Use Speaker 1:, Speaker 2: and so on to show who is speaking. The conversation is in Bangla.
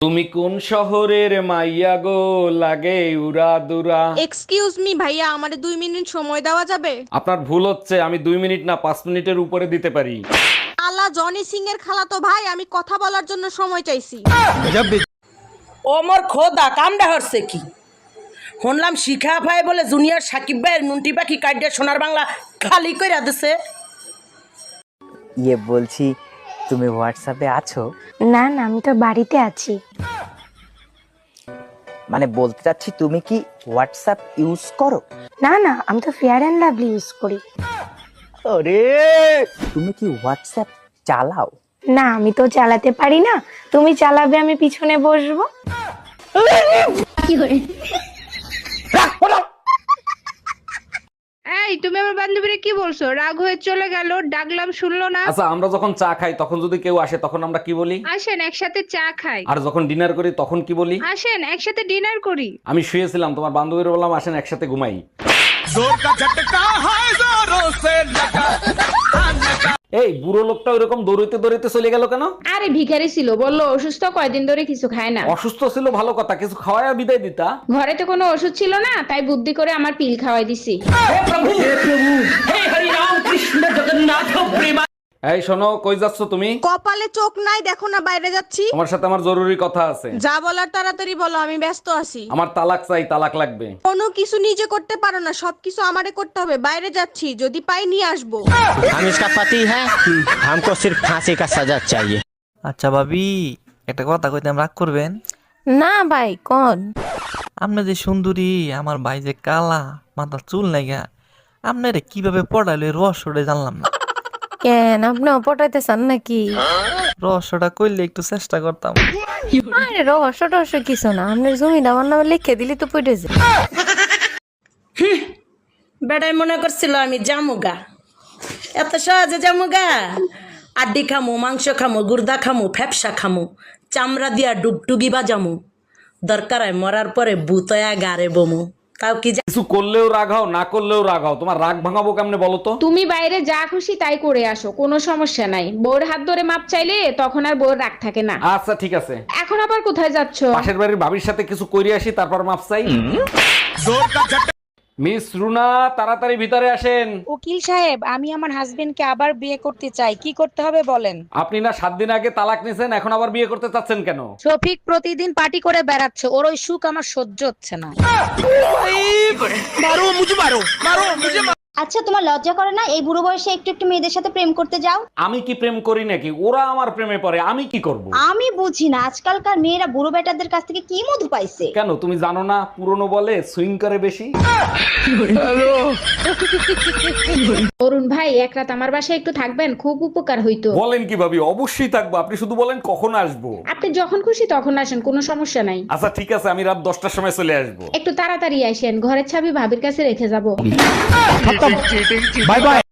Speaker 1: তুমি কোন শহরের মাইয়া গো, লাগে উরা দুরা।
Speaker 2: এক্সকিউজ মি ভাইয়া, আমারে 2 মিনিট সময় দেওয়া যাবে?
Speaker 1: আপনার ভুল হচ্ছে, আমি 2 মিনিট না 5 মিনিটের উপরে দিতে পারি।
Speaker 2: আলা জনি সিং এর খালাতো ভাই, আমি কথা বলার জন্য সময় চাইছি।
Speaker 3: ও মোর খোদা, কামডা হচ্ছে কি? শুনলাম শিখা ভাই বলে জুনিয়র সাকিব ভাইয়ের নুনটি পাখি কাইডে সোনার বাংলা খালি কইরা দিছে।
Speaker 4: বলছি তুমি হোয়াটসঅ্যাপে আছো?
Speaker 5: না না, আমি তো বাড়িতে আছি।
Speaker 4: মানে বলতে চাচ্ছি তুমি কি হোয়াটসঅ্যাপ ইউজ করো?
Speaker 5: না না, আমি তো ফেয়ার অ্যান্ড লাভলি ইউজ করি।
Speaker 4: আরে তুমি কি হোয়াটসঅ্যাপ চালাও?
Speaker 5: না, আমি তো চালাতে পারি না। তুমি চালাবে, আমি পিছনে বসবো।
Speaker 6: এই তুমি আমার বান্ধবীরে কি বলছো? রাগ হয়ে চলে গেল, ডাকলাম শুনলো না।
Speaker 1: আচ্ছা, আমরা যখন চা খাই তখন যদি কেউ আসে তখন আমরা কি বলি?
Speaker 6: আসেন একসাথে চা খাই।
Speaker 1: আর যখন ডিনার করি তখন কি বলি?
Speaker 6: আসেন একসাথে ডিনার করি।
Speaker 1: আমি শুয়েছিলাম, তোমার বান্ধবীর বললাম আসেন একসাথে ঘুমাই। এই বুড়ো লোকটা ওইরকম দৌড়িতে দৌড়িতে চলে গেল কেন?
Speaker 6: আরে ভিখারি ছিল, বললো অসুস্থ, কয়দিন ধরে কিছু খায় না।
Speaker 1: অসুস্থ ছিল ভালো কথা, কিছু খাওয়ায় বিদায় দিতা।
Speaker 6: ঘরে তো কোনো ওষুধ ছিল না, তাই বুদ্ধি করে আমার পিল খাওয়াই দিছি।
Speaker 1: এই শোনো, কই যাচ্ছ তুমি?
Speaker 2: কপালে চোখ নাই, দেখো না বাইরে যাচ্ছি।
Speaker 1: তোমার সাথে আমার জরুরি কথা আছে।
Speaker 2: যা বলার তাড়াতাড়ি বলো, আমি ব্যস্ত আছি।
Speaker 1: আমার তালাক চাই, তালাক লাগবে।
Speaker 2: কোনো কিছু নিজে করতে পারো না, সবকিছু আমারে করতে হবে। বাইরে যাচ্ছি, যদি পাই নিয়ে আসবো।
Speaker 7: हम इसका पति है, हमको सिर्फ फांसी का सजा चाहिए।
Speaker 8: আচ্ছা ভাবি, একটা কথা কইতাম, রাগ করবেন?
Speaker 5: না ভাই, কোন?
Speaker 8: আপনি যে সুন্দরী, আমার ভাই যে কালা, মাথা চুল নাইগা, আপনারে কিভাবে পড়াইলো এই রহস্যটা জানলাম না।
Speaker 5: কেন, আপনিও পটাইতে চান নাকি?
Speaker 8: রহস্যটা কইলে একটু চেষ্টা করতাম।
Speaker 5: আরে রহস্য টহস্য কিছু না, আপনার জমিটা আমার নামে লিখে দিলি তো পড়ে যায়।
Speaker 3: বেড়াই মনে করছিল আমি জামুগা, এত সহজে জামুগা? আড্ডি খামু, মাংস খামু, গুর্দা খামু, ফ্যাপসা খামু, চামড়া দিয়া ডুগডুগি বাজামু, দরকার হয় মরার পরে বুতয়া গারে বমু। তাও কি
Speaker 1: কিছু করলেও রাগ হও, না করলেও রাগ হও। তোমার রাগ ভাঙাবো কেমনে বলো তো?
Speaker 6: তুমি বাইরে যা খুশি তাই করে আসো, কোনো সমস্যা নাই। বউর হাত ধরে মাপ চাইলে তখন আর বউর রাগ থাকে না।
Speaker 1: আচ্ছা ঠিক আছে।
Speaker 6: এখন আবার কোথায় যাচ্ছ?
Speaker 1: পাশের বাড়ির ভাবির সাথে কিছু কইরে আসি, তারপর মাপ চাই। মিস রুনা, তাড়াতাড়ি ভিতরে আসেন।
Speaker 9: উকিল সাহেব, আমি আমার হাজবেন্ডকে আবার বিয়ে করতে চাই, কি করতে হবে বলেন?
Speaker 1: আপনি না 7 দিন আগে তালাক নিছেন, এখন আবার বিয়ে করতে চাচ্ছেন কেন?
Speaker 9: শফিক প্রতিদিন পার্টি করে বেড়াচ্ছে, ওর ওই সুখ আমার সহ্য হচ্ছে না।
Speaker 10: আচ্ছা, তোমার লজ্জা করে না এই বুড়ো বয়সে একটু একটু মেয়েদের সাথে প্রেম করতে যাও?
Speaker 1: আমি কি প্রেম করি নাকি? ওরা আমার প্রেমে পড়ে, আমি কি করব?
Speaker 10: আমি বুঝি না আজকালকার মেয়েরা বুড়ো বেটাদের কাছ থেকে কি মধু পাইছে।
Speaker 1: কেন তুমি জানো না, পুরনো বলে সুইং করে বেশি।
Speaker 6: অরুণ ভাই, এক রাত আমার বাসায় একটু থাকবেন, খুব উপকার হইতো।
Speaker 1: বলেন কি ভাবি, অবশ্যই থাকবো। আপনি শুধু বলেন কখন আসবো।
Speaker 6: আপনি যখন খুশি তখন আসেন, কোনো সমস্যা নাই।
Speaker 1: আচ্ছা ঠিক আছে, আমি রাত 10টার সময় চলে আসবো।
Speaker 6: একটু তাড়াতাড়ি আসেন, ঘরের চাবি ভাবির কাছে রেখে যাব।
Speaker 7: Bye bye.